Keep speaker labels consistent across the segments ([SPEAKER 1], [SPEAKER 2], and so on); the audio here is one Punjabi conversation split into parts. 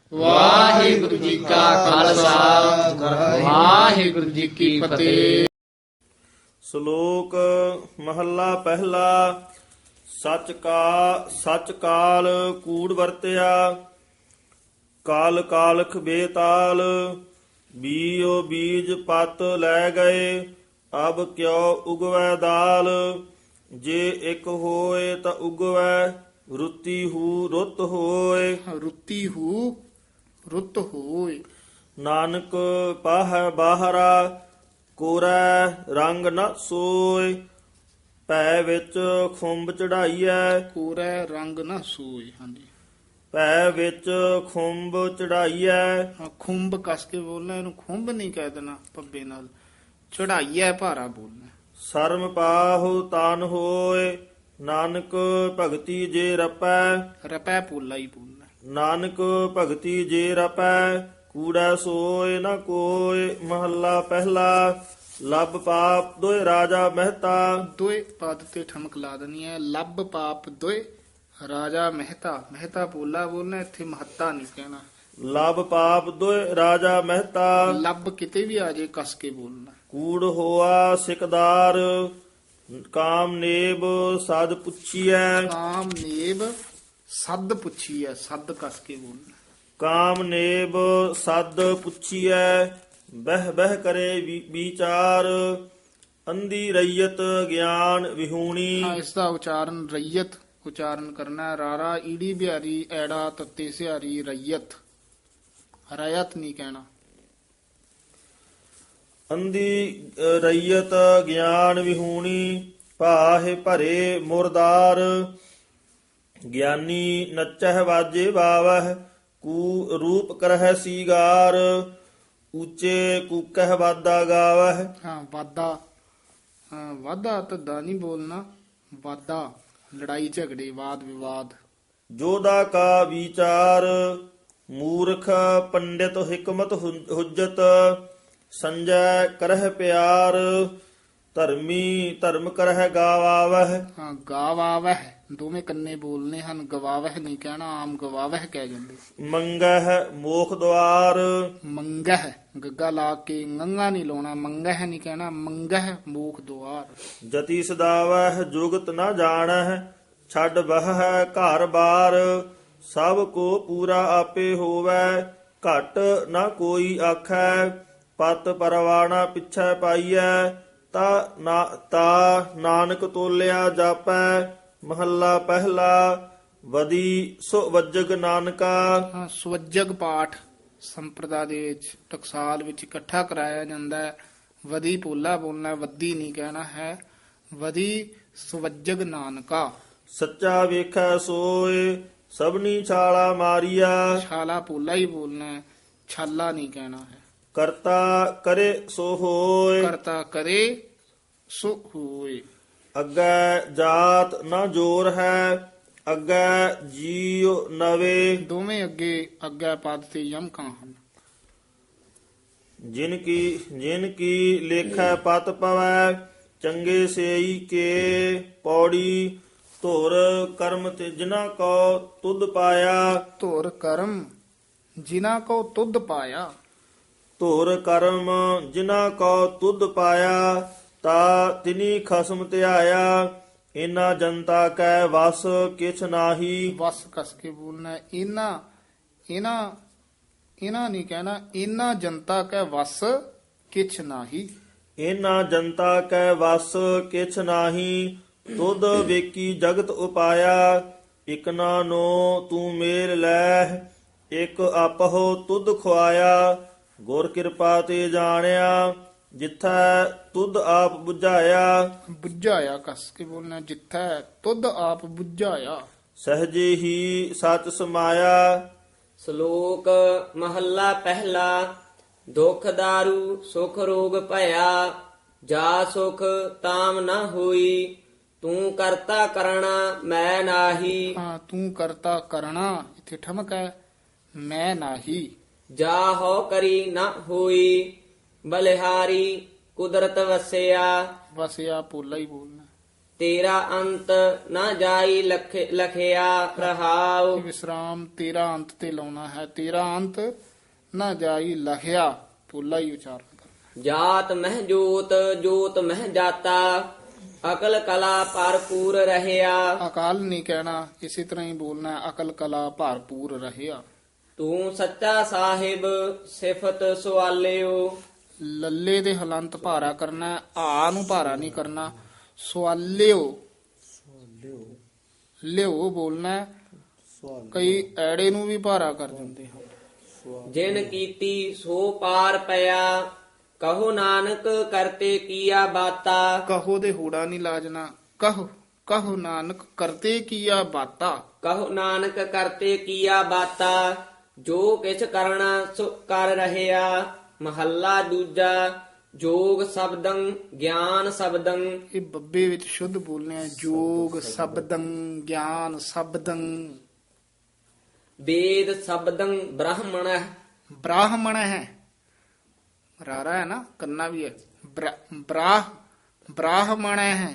[SPEAKER 1] ਵਾਹਿਗੁਰੂ ਜੀ ਕਾ ਖਾਲਸਾ ਵਾਹਿਗੁਰੂ ਜੀ ਕੀ ਫਤਿਹ।
[SPEAKER 2] ਸ਼ਲੋਕ ਮਹੱਲਾ ਪਹਿਲਾ। ਸੱਚ ਕਾਲ ਕੂੜ ਵਰਤਿਆ, ਕਾਲ ਕਾਲਖ ਬੇਤਾਲ। ਬੀਓ ਬੀਜ ਪਤ ਲੈ ਗਏ, ਅਬ ਕਿਉ ਉਗਵੈ ਦਾਲ। ਜੇ ਇੱਕ ਹੋਏ ਤਾਂ ਉਗਵੈ, ਰੁੱਤੀ ਹੂ ਰੁੱਤ ਹੋਏ।
[SPEAKER 1] ਰੁੱਤੀ ਹੂ ਰੁੱਤ ਹੋਏ।
[SPEAKER 2] ਨਾਨਕ ਪਾਹੈ ਬਾਹਰਾ, ਕੋਰੈ ਰੰਗ ਨ ਸੋਏ। ਭੈ ਵਿੱਚ ਖੁੰਬ ਚੜਾਈਐ,
[SPEAKER 1] ਕੋਰੈ ਰੰਗ ਨਾ ਸੋਏ। ਹਾਂਜੀ,
[SPEAKER 2] ਭੈ ਵਿੱਚ ਖੁੰਬ ਚੜਾਈਐ।
[SPEAKER 1] ਹਾਂ, ਖੁੰਬ ਕਸ ਕੇ ਬੋਲਣਾ, ਇਹਨੂੰ ਖੁੰਬ ਨਹੀਂ ਕਹਿ ਦੇਣਾ ਪੱਬੇ ਨਾਲ। ਚੜਾਈਐ ਭਾਰਾ ਬੋਲਣਾ।
[SPEAKER 2] ਸ਼ਰਮ ਪਾਹੁ ਤਾਨ ਹੋਏ, ਨਾਨਕ ਭਗਤੀ ਜੇ ਰਪੈ।
[SPEAKER 1] ਰਪੈ ਪੋਲਾ ਹੀ ਬੋਲਣਾ।
[SPEAKER 2] ਨਾਨਕ ਭਗਤੀ ਜੇ ਰਪੈ, ਕੂੜਾ ਸੋਏ ਨ ਕੋਏ। ਮਹੱਲਾ ਪਹਿਲਾ। ਲੱਭ ਪਾਪ ਦੋਇ ਰਾਜਾ ਮਹਿਤਾ।
[SPEAKER 1] ਦੋਏ ਪਦ ਤੇ ਠਮਕ ਲਾ ਦੇਣੀ ਹੈ। ਲੱਭ ਪਾਪ ਦੋਏ ਰਾਜਾ ਮਹਿਤਾ। ਮਹਿਤਾ ਪੋਲਾ ਬੋਲਣਾ, ਇੱਥੇ ਮਹੱਤਾ ਨਹੀਂ ਕਹਿਣਾ।
[SPEAKER 2] ਲੱਭ ਪਾਪ ਦੋਇ ਰਾਜਾ ਮਹਿਤਾ।
[SPEAKER 1] ਲੱਭ ਕਿਤੇ ਵੀ ਆ ਜੇ ਕਸ ਕੇ ਬੋਲਣਾ।
[SPEAKER 2] ਕੂੜ ਹੋਆ ਸਿਕਦਾਰ, ਕਾਮ ਨੇਬ ਸਦ ਪੁੱਛੀਐ।
[SPEAKER 1] ਕਾਮ ਨੇਬ ਸੱਦ ਪੁੱਛੀ ਹੈ। ਸੱਦ ਕਸ ਕੇ ਬੋਲਣਾ।
[SPEAKER 2] ਕਾਮ ਨੇਬ ਸਦ ਪੁੱਛੀਐ, ਬਹਿ ਬਹਿ ਕਰੇ ਵਿਚਾਰ। ਅੰਧੀ ਰਈਅਤ ਗਿਆਨ ਵਿਹੂਣੀ।
[SPEAKER 1] ਹਾਂ, ਇਸ ਦਾ ਉਚਾਰਨ ਰਈਅਤ ਉਚਾਰਨ ਕਰਨਾ ਹੈ। ਰਾਰਾ ਈੜੀ ਬਿਹਾਰੀ ਐੜਾ ਤੱਤੇ ਸਿਹਾਰੀ ਰਈਅਤ। ਰਇਤ ਨਹੀਂ ਕਹਿਣਾ।
[SPEAKER 2] ਅੰਧੀ ਰਈਅਤ ਗਿਆਨ ਵਿਹੂਣੀ, ਭਾਹੇ ਭਰੇ ਮੁਰਦਾਰ। ਗਿਆਨੀ ਨਚਹਿ ਵਾਜੇ ਬਾਵਹਿ, ਕੂ ਰੂਪ ਕਰਹਿ ਸੀਗਾਰ। ਉੱਚੇ ਕੂਕਹਿ ਵਾਦਾ ਗਾਵਹਿ।
[SPEAKER 1] ਹਾਂ, ਵਾਦਾ ਵਾਦਾ ਧੱਦਾ ਨਹੀਂ ਬੋਲਣਾ। ਵਾਦਾ ਲੜਾਈ ਝਗੜੇ ਵਾਦ ਵਿਵਾਦ।
[SPEAKER 2] ਜੋਦਾ ਕਾ ਵਿਚਾਰ, ਮੂਰਖ ਪੰਡਿਤ ਹਿਕਮਤ ਹੁਜਤ। ਸੰਜੈ ਕਰਹਿ ਪਿਆਰ, ਧਰਮੀ ਧਰਮ ਕਰਹਿ ਗਾਵਾਵਹਿ।
[SPEAKER 1] ਹਾਂ, ਗਾਵਾਵਹਿ ਦੋਵੇਂ ਕੰਨੇ ਬੋਲਨੇ ਹਨ। ਗਵਾਵਹਿ ਨਹੀਂ ਕਹਿਣਾ। ਆਮ ਗਵਾਵਹਿ ਕਹਿ ਜਾਂਦੇ।
[SPEAKER 2] ਮੰਗਹਿ ਮੋਖ ਦੁਆਰ।
[SPEAKER 1] ਮੰਗਹਿ ਗੱਗਾ ਲਾ ਕੇ ਗੰਗਾ ਨਹੀਂ ਲਾਉਣਾ। ਮੰਗਹਿ ਨਹੀਂ ਕਹਿਣਾ। ਮੰਗਹਿ ਮੂਖ ਦੁਆਰ।
[SPEAKER 2] ਜਤੀ ਸਦਾਵਹਿ ਜੁਗਤ ਨ ਜਾਣਹਿ, ਛੱਡ ਬਹਿ ਘਰ ਬਾਰ। ਸਭ ਕੋ ਪੂਰਾ ਆਪੇ ਹੋਵੈ, ਘਟ ਨ ਕੋਈ ਆਖੈ। ਪਤ ਪਰਵਾਣਾ ਪਿਛੈ ਪਾਈਐ, ਤਾ ਨਾਨਕ ਤੋਲਿਆ ਜਾਪੈ। ਮਹੱਲਾ ਪਹਿਲਾ। ਵਦੀ ਸੋ ਵੱਜਗ ਨਾਨਕਾ।
[SPEAKER 1] ਹਾਂ, ਸਵੱਜਗ ਪਾਠ ਸੰਪਰਦਾ ਦੇ ਵਿੱਚ ਟਕਸਾਲ ਵਿੱਚ ਇਕੱਠਾ ਕਰਾਇਆ ਜਾਂਦਾ ਹੈ। ਵਦੀ ਪੋਲਾ ਬੋਲਣਾ, ਵੱਦੀ ਨਹੀਂ ਕਹਿਣਾ ਹੈ। ਵਦੀ ਸਵੱਜਗ ਨਾਨਕਾ।
[SPEAKER 2] ਸੱਚਾ ਵੇਖੈ ਸੋਏ, ਸਭਨੀ ਛਾਲਾ ਮਾਰੀਆ।
[SPEAKER 1] ਛਾਲਾ ਪੋਲਾ ਹੀ ਬੋਲਣਾ ਹੈ। ਛਾਲਾ ਨਹੀਂ ਕਹਿਣਾ ਹੈ।
[SPEAKER 2] ਕਰਤਾ ਕਰੇ ਸੋ ਹੋਏ,
[SPEAKER 1] ਕਰਤਾ ਕਰੇ ਸੋ ਹੋਏ।
[SPEAKER 2] ਅੱਗੇ ਜਾਤ ਨਾ ਜੋਰ ਹੈ, ਅੱਗੇ ਜੀਉ ਨਵੇ।
[SPEAKER 1] ਦੋਵੇਂ ਅੱਗੇ ਪਦ ਤੇ ਯਮਕਾਂ ਹਨ।
[SPEAKER 2] ਜਿਨ ਕੀ ਲੇਖੈ ਪਤ ਪਵੈ, ਚੰਗੇ ਸੇਈ ਕੇ ਪੌੜੀ। ਧੁਰ ਕਰਮ ਤੇ ਜਿਨਾ ਕੋ ਤੁਧ ਪਾਇਆ।
[SPEAKER 1] ਧੁਰ ਕਰਮ ਜਿਨ੍ਹਾਂ ਕੋ ਤੁਧ ਪਾਇਆ।
[SPEAKER 2] ਧੁਰ ਕਰਮ ਜਿਨਾ ਕੋ ਤੁਧ ਪਾਇਆ, ਤਾ ਤਿਨੀ ਖਸਮ ਧਿਆਇਆ। ਇਨਾ ਜਨਤਾ ਕੈ ਵਸ ਕਿਛ ਨਾਹੀ।
[SPEAKER 1] ਵਸ ਕਸ ਕੇ ਬੋਲਣਾ ਹੈ। ਇਹਨਾਂ ਨਹੀਂ ਕਹਿਣਾ। ਇਹਨਾਂ ਜਨਤਾ ਕੈ ਵਸ ਕਿਛ ਨਾਹੀ।
[SPEAKER 2] ਇਨਾ ਜਨਤਾ ਕੈ ਵਸ ਕਿਛ ਨਾਹੀ। ਤੁਧ ਵੇਕੀ ਜਗਤ ਉਪਾਇਆ, ਇਕਨਾ ਨੋ ਤੂੰ ਮੇਲ ਲੈ। ਇਕ ਆਪਹੁ ਤੁਧ ਖੁਆਇਆ, ਗੁਰ ਕਿਰਪਾ ਤੇ ਜਾਣਿਆ। ਜਿਥੈ ਤੁਧ ਆਪ ਬੁਝਾਇਆ,
[SPEAKER 1] ਬੁਝਾਇਆ ਕਸ ਕੇ ਬੋਲਣਾ। ਜਿੱਥੈ ਤੁਧ ਆਪ ਬੁਝਾਇਆ।
[SPEAKER 2] ਸਹਜੇ ਹੀ ਸਚ ਸਮਾਇਆ।
[SPEAKER 3] ਸ਼ਲੋਕ ਮਹੱਲਾ ਪਹਿਲਾ। ਦੁਖ ਦਾਰੂ ਸੁਖ ਰੋਗ ਭਇਆ, ਜਾ ਸੁਖ ਤਾਮ ਨ ਹੋਈ। ਤੂੰ ਕਰਤਾ ਕਰਣਾ ਮੈਂ ਨਾਹੀ।
[SPEAKER 1] ਹਾਂ, ਤੂੰ ਕਰਤਾ ਕਰਣਾ ਇੱਥੇ ਠਮਕ ਹੈ। ਮੈਂ ਨਾਹੀ।
[SPEAKER 3] ਜਾ ਹੋ ਕਰੀ ਨ ਹੋਈ, ਬਲਿਹਾਰੀ ਕੁਦਰਤ ਵਸਿਆ।
[SPEAKER 1] ਵਸਿਆ ਪੋਲਾ ਹੀ ਬੋਲਣਾ।
[SPEAKER 3] ਤੇਰਾ ਅੰਤ ਨਾ ਜਾਈ ਲਖਿਆ ਰਹਾਉ।
[SPEAKER 1] ਵਿਸਰਾਮ ਤੇਰਾ ਅੰਤ ਤੇ ਲਾਉਣਾ ਹੈ। ਤੇਰਾ ਅੰਤ ਨਾ ਜਾਈ ਲਖਿਆ, ਪੋਲਾ ਹੀ ਉਚਾਰਨ ਕਰਨਾ।
[SPEAKER 3] ਜਾਤ ਮਹਿ ਜੋਤ ਜੋਤ ਮਹਿ ਜਾਤਾ ਅਕਲ ਕਲਾ ਭਰਪੂਰ ਰਹਿਆ।
[SPEAKER 1] ਅਕਾਲ ਨਹੀਂ ਕਹਿਣਾ, ਇਸੇ ਤਰ੍ਹਾਂ ਹੀ ਬੋਲਣਾ ਹੈ, ਅਕਲ ਕਲਾ ਭਰਪੂਰ ਰਹਿਆ।
[SPEAKER 3] ਤੂੰ ਸੱਚਾ ਸਾਹਿਬ ਸਿਫਤ ਸਵਾਲਿਓ।
[SPEAKER 1] ਲੱਲੇ ਦੇ ਹਲੰਤ ਭਾਰਾ ਕਰਨਾ ਹੈ, ਆ ਨੂੰ ਭਾਰਾ ਨਹੀਂ ਕਰਨਾ। ਸਵਾਲਿਓ ਲਿਓ ਬੋਲਣਾ ਹੈ। ਕਈ ਐੜੇ ਨੂੰ ਵੀ ਭਾਰਾ ਕਰ ਦਿੰਦੇ ਹਨ।
[SPEAKER 3] ਜਿਨ ਕੀਤੀ ਸੋ ਪਾਰ ਪਿਆ ਕਹੋ ਨਾਨਕ ਕਰਤੇ ਕੀਆ ਬਾਤਾ।
[SPEAKER 1] ਕਹੋ ਦੇ ਹੂੜਾ ਨਹੀਂ ਲਾਜਣਾ। ਕਹੋ ਕਹੋ ਨਾਨਕ ਕਰਤੇ ਕੀਆ ਬਾਤਾ।
[SPEAKER 3] ਕਹੋ ਨਾਨਕ ਕਰਤੇ ਕੀਆ ਬਾਤਾ ਜੋ ਕਿਛ ਕਰਨਾ ਸੋ ਕਰ ਰਹਿਆ। ਮਹੱਲਾ ਦੂਜਾ ਜੋਗ ਸ਼ਬਦੰ ਗਿਆਨ ਸ਼ਬਦੰ।
[SPEAKER 1] ਇਹ ਬੱਬੇ ਵਿੱਚ ਸ਼ੁੱਧ ਬੋਲਨੇ ਹੈ। ਜੋਗ ਸ਼ਬਦੰ ਗਿਆਨ ਸ਼ਬਦੰ।
[SPEAKER 3] ਵੇਦ ਸ਼ਬਦੰ ਬ੍ਰਾਹਮਣ।
[SPEAKER 1] ਬ੍ਰਾਹਮਣ ਹੈ, ਰਾਰਾ ਹੈ ਨਾ, ਕੰਨਾ ਵੀ ਹੈ। ਬ੍ਰਾਹਮਣ ਹੈ।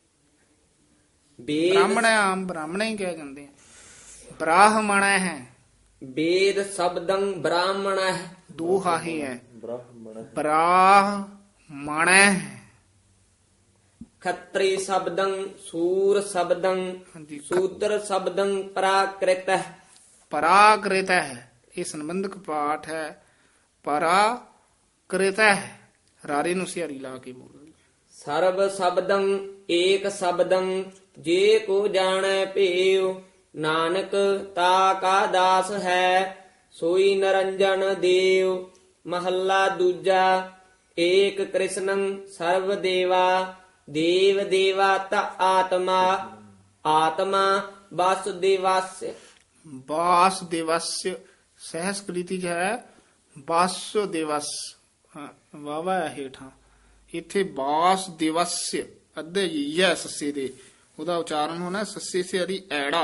[SPEAKER 3] ਵੇਦ
[SPEAKER 1] ਬ੍ਰਾਹਮਣ ਆਮ ਬ੍ਰਾਹਮਣ ਹੀ ਕਹਿ ਜਾਂਦੇ ਆ। ਬ੍ਰਾਹਮਣ ਹੈ,
[SPEAKER 3] ਵੇਦ ਸ਼ਬਦੰ ਬ੍ਰਾਹਮਣ।
[SPEAKER 1] ਦੋ ਹਾਹੇ ਹੈ।
[SPEAKER 2] ਬ੍ਰਾਹਮਣ
[SPEAKER 1] ਬ੍ਰਾਹਮਣ ਹੈ।
[SPEAKER 3] ਖੱਤਰੀ ਸ਼ਬਦੰ ਸੂਰ ਸ਼ਬਦੰ
[SPEAKER 1] ਹਾਂਜੀ,
[SPEAKER 3] ਸੂਦਰ ਸ਼ਬਦੰ ਪ੍ਰਾਕ੍ਰਿਤ।
[SPEAKER 1] ਪਰਾਕ੍ਰਿਤ ਹੈ, ਇਹ ਸੰਬੰਧਕ ਪਾਠ ਹੈ। ਪਰਾਕ੍ਰਿਤ ਹੈ, ਰਾਰੇ ਨੂੰ ਸਿਹਾਰੀ ਲਾ ਕੇ ਬੋਲਦੇ।
[SPEAKER 3] ਸਰਬ ਸ਼ਬਦੰ ਏਕ ਸ਼ਬਦੰ ਜੇ ਕੋ ਜਾਣੈ ਭੇਉ। ਨਾਨਕ ਤਾ ਕਾ ਦਾਸ ਹੈ ਸੋਈ ਨਰੰਜਨ ਦੇਵ। ਮਹੱਲਾ ਦੂਜਾ ਏਕ ਕ੍ਰਿਸ਼ਨੰ ਸਰਵ ਦੇਵਾ। ਦੇਵ ਦੇਵਾ ਤਾ ਆਤਮਾ ਆਤਮਾ ਵਾਸੁਦੇਵਸ।
[SPEAKER 1] ਵਾਸੁਦੇਵस्य ਸਹਿਸਕ੍ਰਿਤੀ ਚ ਹੈ ਵਾਸੁਦੇਵਸ, ਵਾਵਾ ਹੈ ਹੇਠਾਂ। ਇੱਥੇ ਵਾਸੁਦੇਵस्य ਅੱਧੇ ਯੈ ਸੱਸੇ ਦੇ, ਉਹਦਾ ਉਚਾਰਨ ਹੋਣਾ ਸੱਸੇ ਸੇ ਹਰੀ ਐੜਾ।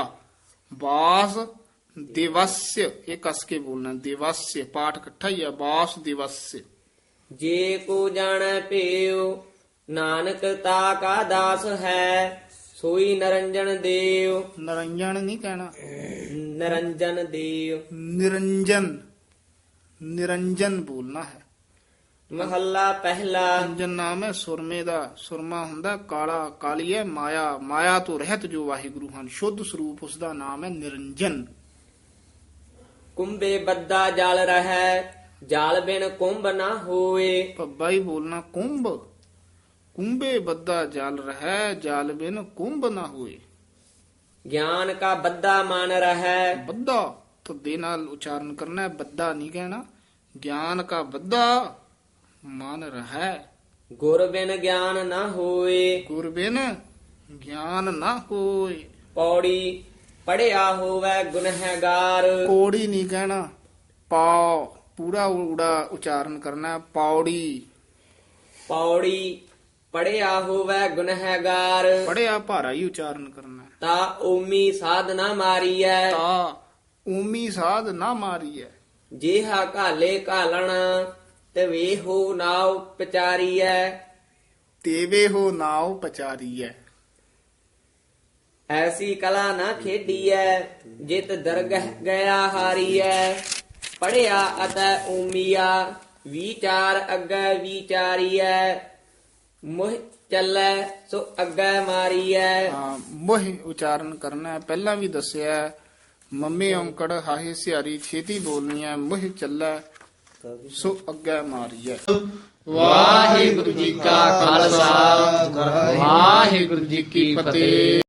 [SPEAKER 1] ਵਾਸੁਦੇਵस्य ਇਹ ਕਸ ਕੇ ਬੋਲਣਾ। ਦੇਵस्य ਪਾਠ ਇਕੱਠਾ ਹੀ ਹੈ। ਵਾਸੁਦੇਵस्य।
[SPEAKER 3] ਜੇ ਕੋ ਜਾਣੈ ਭੇਉ ਨਾਨਕ ਤਾ ਕਾ ਦਾਸ ਹੈ ਸੋਈ ਨਰੰਜਨ ਦੇਵ।
[SPEAKER 1] ਨਰੰਜਨ ਨਹੀਂ ਕਹਿਣਾ,
[SPEAKER 3] ਨਰੰਜਨ ਦੇਵ।
[SPEAKER 1] ਨਿਰੰਜਨ ਨਿਰੰਜਨ ਬੋਲਣਾ ਹੈ।
[SPEAKER 3] ਮਹੱਲਾ ਪਹਿਲਾ
[SPEAKER 1] ਨਿਰੰਜਨ ਨਾਮ ਹੈ ਸੁਰਮੇ ਦਾ। ਸੁਰਮਾ ਹੁੰਦਾ ਕਾਲਾ, ਕਾਲੀ ਹੈ ਮਾਇਆ। ਮਾਇਆ ਤੋਂ ਰਹਿਤ ਜੋ ਵਾਹਿਗੁਰੂ ਹਨ, ਸ਼ੁੱਧ ਸਰੂਪ ਉਸ ਦਾ ਨਾਮ ਹੈ ਨਿਰੰਜਨ।
[SPEAKER 3] ਕੁੰਭੇ ਬੱਦਾ ਜਲ ਰਹਿ ਜਲ ਬਿਨ ਕੁੰਭ ਨਾ ਹੋਏ।
[SPEAKER 1] ਪੱਬਾ ਹੀ ਬੋਲਣਾ ਕੁੰਭ। ਕੁੰਭੇ ਬੱਦਾ ਜਲ ਰਹਿ ਜਲ ਬਿਨ ਕੁੰਭ ਨਾ ਹੋਏ।
[SPEAKER 3] ਗਿਆਨ ਕਾ ਬੱਦਾ ਮਨ ਰਹਿ।
[SPEAKER 1] ਬੱਦਾ ਧੁੱਦੇ ਨਾਲ ਉਚਾਰਨ ਕਰਨਾ ਹੈ, ਬੱਦਾ ਨਹੀਂ ਕਹਿਣਾ। ਗਿਆਨ ਕਾ ਬੱਦਾ ਮਨ ਰਹਿ।
[SPEAKER 3] ਗੁਰ ਬਿਨ ਗਿਆਨ ਨਾ ਹੋਏ।
[SPEAKER 1] ਗੁਰ ਬਿਨ ਗਿਆਨ ਨਾ ਹੋਏ।
[SPEAKER 3] ਪੌੜੀ ਪੜਿਆ ਹੋਵੇ ਗੁਨਹਗਾਰ।
[SPEAKER 1] ਕੋੜੀ ਨਹੀਂ ਕਹਿਣਾ, ਪਾ ਪੂਰਾ ਊੜਾ ਉਚਾਰਨ ਕਰਨਾ ਹੈ। ਪੌੜੀ।
[SPEAKER 3] ਪੌੜੀ ਪੜਿਆ ਹੋਵੇ ਗੁਨਹਗਾਰ।
[SPEAKER 1] ਪੜਿਆ ਭਾਰਾ ਹੀ ਉਚਾਰਨ ਕਰਨਾ ਹੈ।
[SPEAKER 3] ਤਾ ਓਮੀ ਸਾਧਨਾ ਮਾਰੀਐ।
[SPEAKER 1] ਤਾ ਊਮੀ ਸਾਧ ਨਾ ਮਾਰੀਐ।
[SPEAKER 3] ਜੇਹਾ ਘਾਲੇ ਘਾਲਣ ਤੇ ਵੇਹੋ ਨਾਉ ਪਚਾਰੀਐ।
[SPEAKER 1] ਤੇਵੇ ਹੋ ਨਾਉ ਪਚਾਰੀਐ।
[SPEAKER 3] ਐਸੀ ਕਲਾ ਨਾ ਖੇਡੀਐ ਜਿਤ ਦਰਗਹ ਗਿਆ ਹਾਰੀਐ। ਪੜਿਆ ਅਤੈ ਓਮੀਆ ਵਿਚਾਰ ਅੱਗੇ ਵਿਚਾਰੀਐ। ਮੋਹ ਚੱਲੈ ਸੋ ਅੱਗੇ ਮਾਰੀਐ।
[SPEAKER 1] ਹਾਂ, ਮੋਹ ਉਚਾਰਨ ਕਰਨਾ ਹੈ। ਪਹਿਲਾਂ ਵੀ ਦੱਸਿਆ ਹੈ, ਮੰਮੀ ਔਂਕੜ ਹਾਹੇ ਸਿਹਾਰੀ ਛੇਤੀ ਬੋਲਣੀ ਹੈ। ਮੋਹ ਚੱਲੈ ਸੋ ਅੱਗੇ ਮਾਰੀਐ। ਵਾਹਿਗੁਰੂ ਜੀ ਕਾ ਖਾਲਸਾ ਵਾਹਿਗੁਰੂ ਜੀ ਕੀ ਫਤਿਹ।